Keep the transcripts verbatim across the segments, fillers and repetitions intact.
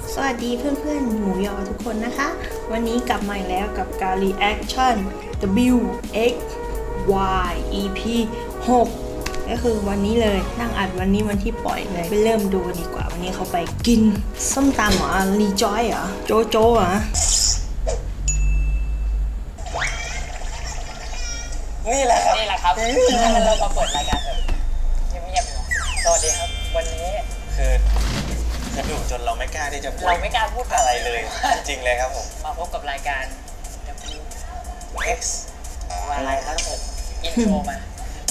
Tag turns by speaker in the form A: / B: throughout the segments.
A: สวัสดีเพื่อนๆหมูยอทุกคนนะคะวันนี้กลับมาอีกแล้วกับการ reaction W X Y อี พี หกก็คือวันนี้เลยนั่งอัดวันนี้วันที่ปล่อยเลยไปเริ่มดูดีกว่าวันนี้เขาไปกินส้มตำเหรอรีจอยเหรอโจโจ้เหรอ
B: นี่แหละครับ
C: นี่แหละครับเรามาเปิดรายการแบบเงียบๆสวัสดีครับวันนี้
B: คือจะดุจนเราไม่กล้าที่จะพูด
C: เราไม่กล้าพูด
B: อะไรเลย จริงๆเลยครับผม
C: มาพบกับรายการ
B: X
C: วอะไรครับผมอินโทรมา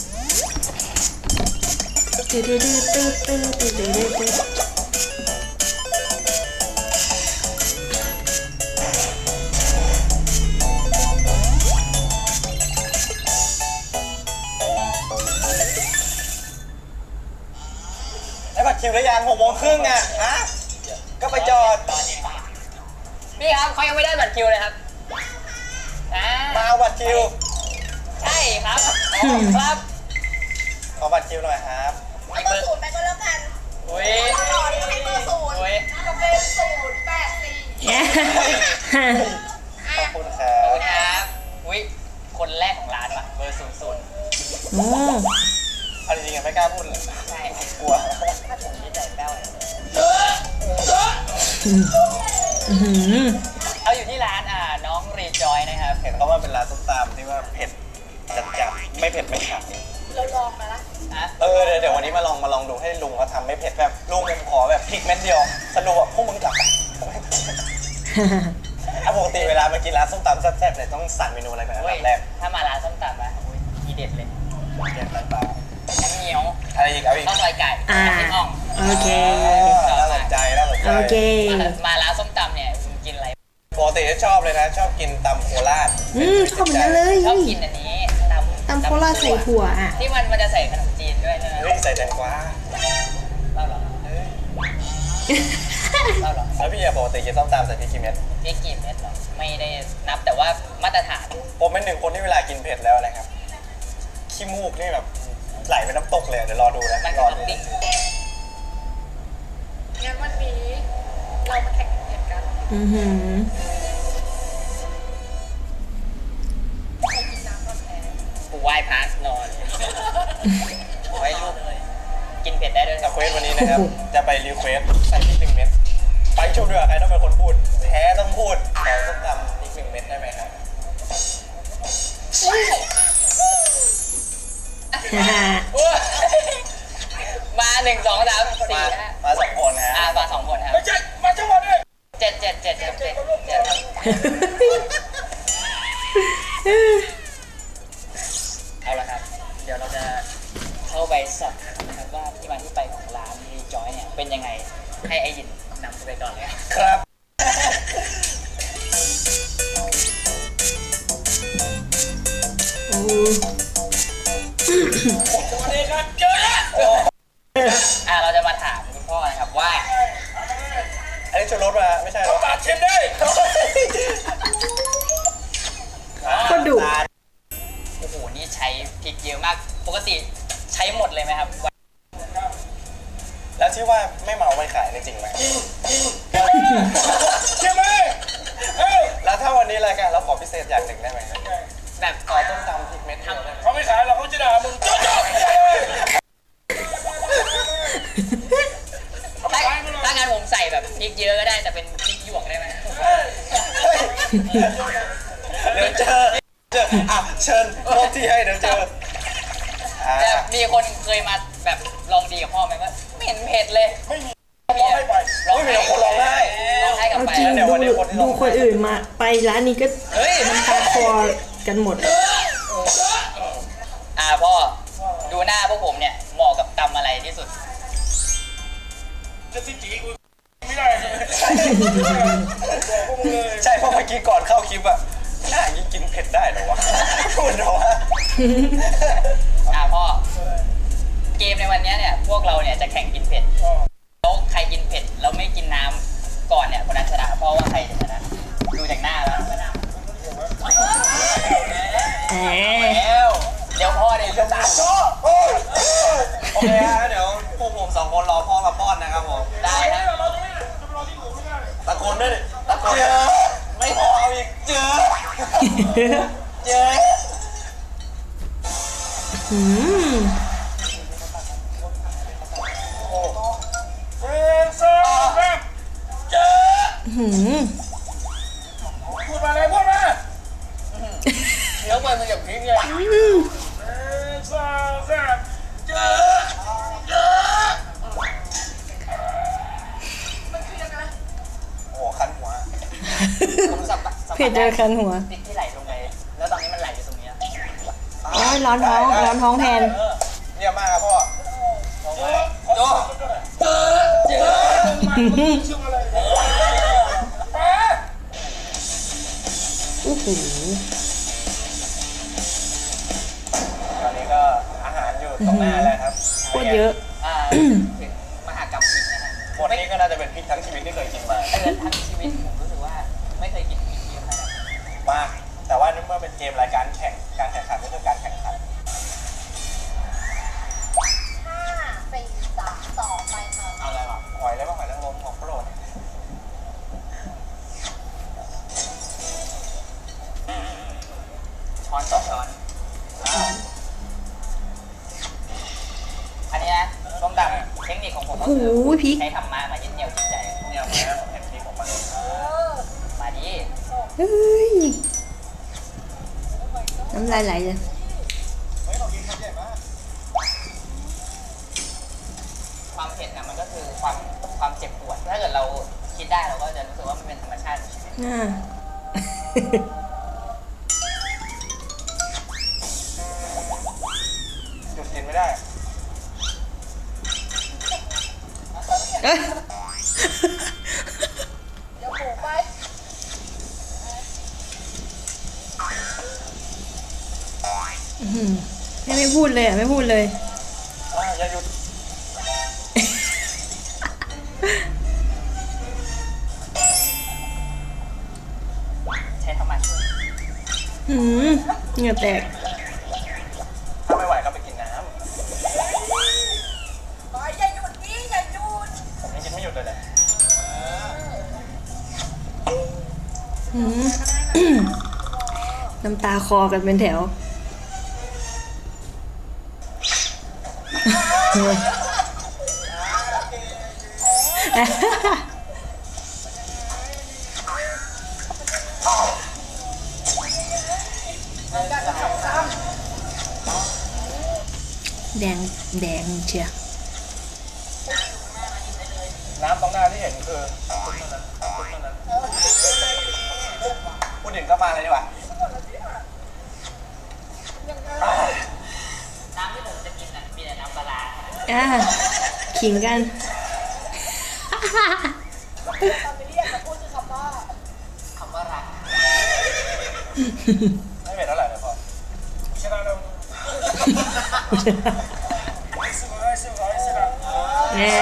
A: ตื้อตื้อตื้อตื้อตื้อตื้อตื้อตื้อ
B: ได้บัตรคิวหรือยังหกโมงครึ่งอ่ะฮะก็ไปจอด
C: พี่ครับเขายังไม่ได้บัตรคิวเลยครับอ่า
B: มาเอาบัตรคิว
C: ใช่ครับครับ
B: ขอบัตรคิวหน่อยครับ
D: ให้เบอร์ศูนย์ไปก็แล้วกัน
C: อุ้ย
D: ตลอดให้เบอร์ศูนย์
C: อุ้ย
D: จะเป็นศูนย์แปดสี่
B: ขอบคุณครั
C: ขอบบ คุณครับอุ้ยคนแรกของร้านปะเบอร์ศูนย์ศูนย์
A: โอ้
B: เอาจริงๆไม่กล้าพูดเลย
C: ใช่
B: กลัว
C: ผมดีใจแป้วเลย
A: อื้อหือ
C: เขาอยู่ที่ร้านอ่าน้องรีจอยนะครับ
B: เห็นเขาว่าเป็นร้านส้มตำที่ว่าเผ็ดจัดจัดไม่เผ็ดไม่ขัด
D: เราลองมาละ
C: อ่ะ
B: เออเดี๋ยวเดี๋ยววันนี้มาลองมาลองดูให้ลุงเขาทำไม่เผ็ดแบบลุงผมขอแบบพริกเม็ดเดียวสรุปว่าพวกมึงกลับไปอ่ะปกติเวลามากินร้านส้มตำแซ่บๆเนี่ยต้องสั่งเมนูอะไรก่อนอัน
C: เว้ย
B: ดับแรก
C: ถ้ามาร้านส้มตำอ่ะอุ้ยทีเด็ดเลย
B: เด็ดไปเปล่า
C: น้ำเงี้ยว
B: อะไรอีกเอาอีก
C: ข้าวซอยไก่
A: อ่า
C: น้ำพริกอ่อง
A: โอเค
B: น่าสนใจน่าสนใจ
A: โอเค
C: มาร้านส้มตำเนี่ยคุณกินอะไร
B: ปกติจะชอบเลยนะ ชอบกินตำโคราช
A: อืมชอบเหมือนกันเลย
C: ชอบกินอันนี้ตำ
A: ตำโคราชใส่ถั่วอ่ะ
C: ที่มันมันจะใส่ขนมจีนด้วยใช่ไหม
B: เฮ้ยใส่แตงกวา
C: เล่าเหรอ
B: เฮ้ย
C: เล่าเหรอ
B: แล้วพี่อะปกติกินส้มตำใส่พริกกี่เม็ด
C: พริกกี่เม็ดเหรอไม่ได้นับแต่ว่ามาตรฐาน
B: ผมเป็นหนึ่งคนที่เวลากินเผ็ดแล้วนะครับขี้มูกนี่แบบไหลเป็นน้ำตกเลยเดี๋ยวรอดูนะ
C: มัน
B: ร
C: คือ
B: อ
C: ท็อ
B: ดู
C: ปปิ้ง
D: งั้นวันนี้เรามาแข่งกินเผ็ดกัน
A: อือหือ
D: ใครกินน้ำก่อนแพ้
C: กูไหว้พระนอนไว้ลูกกินเผ็ดได้ด้วย
B: แต่เควสวันนี้นะครับจะไปรีเควสใส่พริกหนึ่งเม็ดไปชมด้วยใครต้องเป็นคนพูดแพ้ต้องพูดขอส้มตำพริกหนึ่งเม็ดได้ไหมครับ
C: มาหนึ่งสองสามสี่
B: มา
C: ห้า
B: มาสองคนนะ
C: อ่า
B: ฮะ
C: มาสองคนครับ
B: ไม่ใช่มาจังหวัดเลย
C: เจ็ดเจ็ดเจ็ดเจ็ดเจ็ดเจ็ดครับเอาละครับ เดี๋ยวเราจะเข้าไปสอบถามนะครับว่าที่มาที่ไปของร้านรีจอยเนี่ยเป็นยังไงให้ไอยินนำไปก่อนเลยครับ
B: ครับ
A: โอ้
B: สวัสดีครับเจอแล้ว
C: อ่าเราจะมาถามคุณพ่อนะครับว่า
B: อันนี้ชูรสมาไม่ใช่หรอปาดชิมได้
A: ก็ดุ
C: โอ้โหนี่ใช้พริกเยอะมากปกติใช้หมดเลยไหมครับ
B: แล้วที่ว่าไม่เมาไม่ขายนี่จริงไหมจริงจริงใช่ไหมแล้วถ้าวันนี้รายการเราขอพิเศษอย่างหนึ่งได้ไหม
C: แบบ
B: ขอต้มตำพริกเม็ดเดียวได้ไหม
E: เขาไม่ขายหรอกเขาจะด่ามึงจ๊อบ
C: ถ้าถ้างั้นผมใส่แบบพริกเยอะก็ได้แต่เป็นพริกหยวกได้ไหม
B: เดี๋ยวเจอเจออ่ะเชิญโทษที่ให้เดี๋ยวเจออ่า
C: แต่มีคนเคยมาแบบลองดีกับพ่อไหมว่าไม่เห็นเผ็ดเลย
E: ไม่มี
C: พี่อะร้อง
B: ไม่มี
C: ไห้
B: คนร้องไห้
C: ร้องไห้กับ
A: เอา
C: ไป
A: จริง
B: เดี๋ยว
A: ดู
B: วันนี้คนที่ล
A: ดู
B: ง
A: คนอื่นมาไปร้านนี้ก็
C: เฮ้ย
A: น้ำตาคลอกันหมด
C: อ่าพ่อดูหน้าพวกผมเนี่ยเหมาะกับตำอะไรที่สุด
E: จะสิจีกูไม่ได้ใช่ไหม
B: ใช่เพราะเมื่อกี้ก่อนเข้าคลิปอะหน้าอย่างนี้กินเผ็ดได้เหรอวะพูดเหรอวะ
C: อ่าพ่อเกมในวันนี้เนี่ยพวกเราเนี่ยจะแข่งกินเผ็ดแล้วใครกินเผ็ดแล้วไม่กินน้ำก่อนเนี่ยคนนั้นชนะเพราะว่าใครจะชนะดูจากหน้าแล้ว
A: แหม
C: แล้วเดี๋ยวพ่อเนี่ยจะตาม
B: โอเคฮะเดี๋ยวพวกผมสองคนรอพ่อมาป้อนนะครับผม
C: ได้นะ
E: เราตรงนี้จะรอที่หมูไม่ได้
B: ำด้วยดิตะโกนเจอไม่พอเอาอีกเจอเจอ
A: อืม
E: เฟรนซ่าแรปเจอ
A: หืม
E: พูดมาเลยพูดมาเดี๋ยวมันอย่าพิงไง
A: อืม
E: เฟรนซ่าแรปเจอเจอ
D: มันคือยังไง
B: โอ้คันหัว
C: ผมสัมผัสสัม
A: เผ็
C: ผั
A: ด
C: ส
A: เจอคันหัว
C: พริกที่ไหลลงไปแล้วตอนนี้มันไหลอยู่ตรงเนี้ย
A: โอ้ยร้อนท้องร้อนท้องแทน
B: เยี่ยมมากครับพ่อ
E: โจเจอเจอมันชื่ออะไรป้า
A: โอ้โห
B: ตอนนี้ก็อาหารอยู่ตรงหน้าแล้วครับ
A: โคตรเยอะ
C: อ่าถึงมหากรรมพริกนะฮะ
B: หมดนี้ก็น่าจะเป็นพริกทั้งชีวิตที่เคยกินมา
C: เดือนทั้งชีวิตผมรู้สึกว่าไม่เคยกินพริกเยอะขนาดนี้
B: มาก แต่ว่าเมื่อเป็นเกมรายการแข่ง การแข่งขันก็คือการแข่งขัน
D: ห้าสี่สามสองไปค่ะ
B: เอาอะไรวะหอยอะไรบ้างหอยนางรมของโปรด
C: ช้อนต่อช้อน อันนี้นะส้มตำเทคนิคของผมก็
A: โอ้
C: คือ
A: โหพริก
C: ใช้ธรรมะมายึดเหนี่ยวจิตใจ
B: เนี่ยแม่ผมเห็นพริกของมัน
C: มาดิ
A: เฮ้ย น้ำลายไหลเลย
B: เฮ้ยเรากินคำใหญ่มาก
C: ความเผ็ดนะมันก็คือความความเจ็บปวด ถ้าเกิดเราคิดได้เราก็จะรู้สึกว่ามันเป็นธรรมชาติของชีวิต
A: อ่า
B: หยุดกินไม่ได้
A: เอ้ย
D: เดี๋ยวหมูไป
A: อื้อหือไม่ไม่พูดเลยอ่ะ ไม่พูดเลย
B: อ่าอย่าหยุด
C: ใช้ธรรมะช่วย
A: หืมเหงื่อแตก
B: ถ้าไม่ไหวก็ไปกินน้
D: ไปอย่าหยุดนี่อย่าหยุด
B: ำผมยังกินไม่หยุดเลยแหละ
A: หืม น้ำตาคอกันเป็นแถว แดงแดงเชีย
B: น้ำตรงหน้าที่เห็นคือคุณเท่านั้นคุณเท่านั้นพูดถึงก็มาเลยดีกว่า
C: น้ำที่ผมจะกินน่ะมีแต่น้ำปลาร้า
A: อ่าขิงกัน
D: ตอนไปเรียกจะพูดคือคำว่า
C: คำว่ารัก
B: ไม่เผ็ดเท่าไหร่เลยพ่อ
E: ชนะเราสิบร้อยสิบร้อยสิบร้อย
A: แน่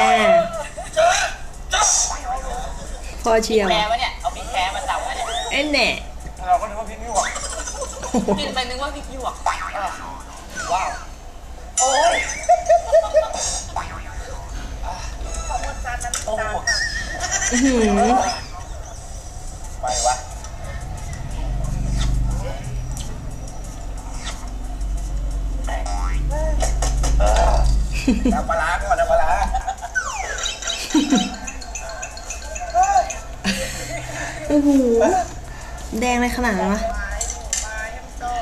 A: พอเชียว
C: แคร์วะเนี่ย เอาพริกแคร์มาสับวะเนี่ย
A: เอ้นแน่
B: เราก็นึกว่าพริกนี่หว่า
C: กินไปนึกว่าพริกหยวก
B: ว้าว โอ้ย
D: ขอบคุณจานนั้น
B: โอ้
D: จานค่ะ
A: อื้อหือ
B: ไปวะน้ำปลาร้าก่อนน้ำปลาร้า
A: โอ้โห แดงเลยขนาดนั้นวะ
D: ไม้หมูไม้ให้มันโซ่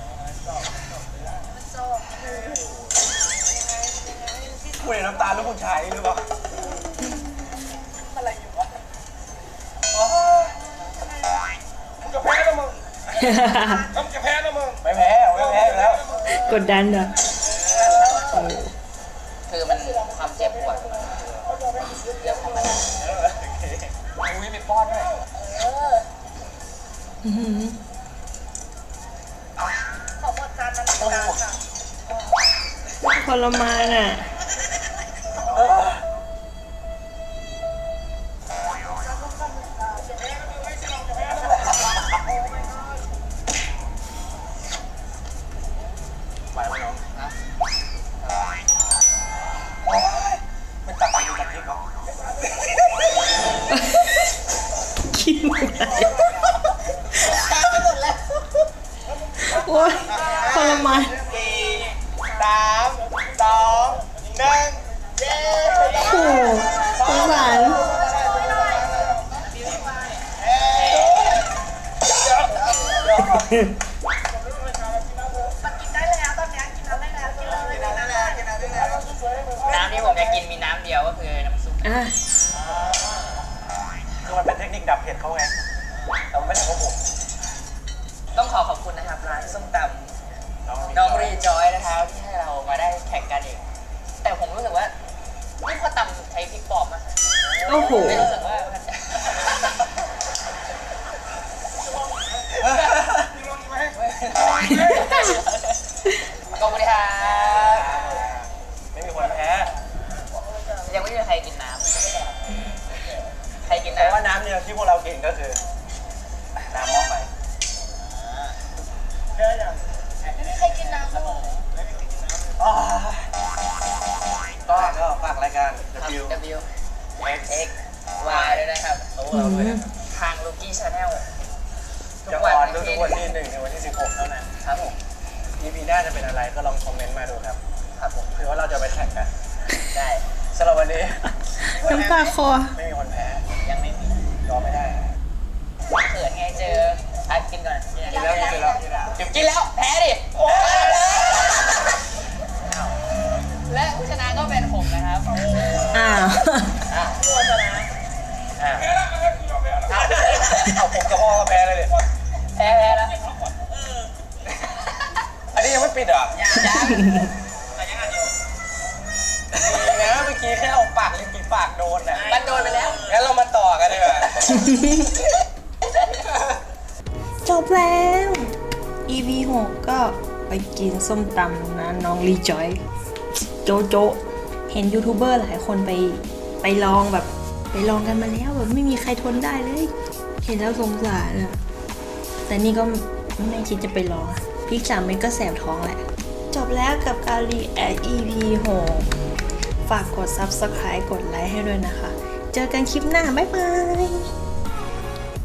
D: มันโซ่ยังไงยังไงที่
B: คุยน้ำตาลลูกผู้ชายหรือเปล่า
D: อะไรอยู่วะ
E: มึงจะแพ้นะมึงมึงจะแพ้นะมึง
B: ไม่แพ้ไม่แพ้อยู่แล้ว
A: กดดันเหรอ
C: คือมันความเจ็บปวดเรื่องของมันอุ้ยมีป้อนด้วย
A: อื้อหือ
D: ขอบคุณจานนั้นจานค่ะ
A: ทรมานอ่ะ
B: ไปไหมน้องนะโอ้ยไม่ตักไปดูกับพริกเหรอ
A: โอ้ยทรมาน
B: สี่สามสองหนึ่งเย้
A: โอ้โหสงสาร
C: น้ำที่ผมจะกินมีน้ำเดียวก็คือน้ำซุป
A: อ่ะ
B: คือมันเป็นเทคนิคดับเผ็ดเขาไงเราไม่ได้เขาผม
C: ต้องขอขอบคุณนะครับร้านส้มตำน้องรีจอยนะครับที่ให้เรามาได้แข่งกันเอง แต่ผมรู้สึกว่านี่เขาตำใช้พริกปลอมมาก
A: โอ้โห
C: ไม่รู้สึกว่ามัน ขอบคุณครับ
B: ไม่มีคนแพ้
C: ยังไม่มีใครกินน้ำใครกิน
B: แต่ว่า
C: น้ำ
B: น้ำเนี่ยที่พวกเรากินก็คือน้ำหม้อไฟ
D: ไม่เคยกินน้ำเลย
B: อ๋อก็ก็ฝากรายการ W
C: W
B: X
C: X Y ด้วยนะครับ
B: ของเราด้วยนะครับ
C: ทางลูกี้ชาแนล
B: จะออนทุกวันที่หนึ่งในวันที่สิบหกเท่านั้น
C: ครับผม
B: อี พี หน้าจะเป็นอะไรก็ลองคอมเมนต์มาดูครับ
C: ครับผม
B: คือว่าเราจะไปแข่งกัน
C: ได้
B: สำหรับวันนี้
A: น้ำตาคอ
B: ไม่มีคนแพ้
C: ยังไม่มี
B: ยอมไม่ได้
C: เขินไงเจออ่ะกินก่อน
B: กินแล้วกินแล้วกินแล้ว
C: กินแล้วแพ้ดิและผู้ชนะก็เป็นผมนะครับ
A: อ้าว
C: อ่ะ
B: อ่าเอาผมกับพ่อก็แพ้เลยดิ
C: แพ้แพ้แล้ว
B: อันนี้ยังไม่ปิดเหรอ
C: ยังยัง
B: ดีนะเมื่อกี้แค่เอาปากลิ้นปีปากโดนน่ะ
C: มันโดนไปแล้ว
B: งั้นเรามาต่อกันดีกว่า
A: จบแล้ว อี พี หกก็ไปกินส้มตำนะน้องรีจอย โจโจ เห็นยูทูบเบอร์หลายคนไปไปลองแบบ ไปลองกันมาแล้วแบบไม่มีใครทนได้เลย เห็นแล้วสงสารอะแต่นี่ก็ไม่คิดจะไปลองพริกสามเม็ดก็แสบท้องแหละ จบแล้วกับการรีแอค อี พี หก ฝากกด ซับสไครบ์ กดไลค์ให้ด้วยนะคะ เจอกันคลิปหน้า บ๊ายบาย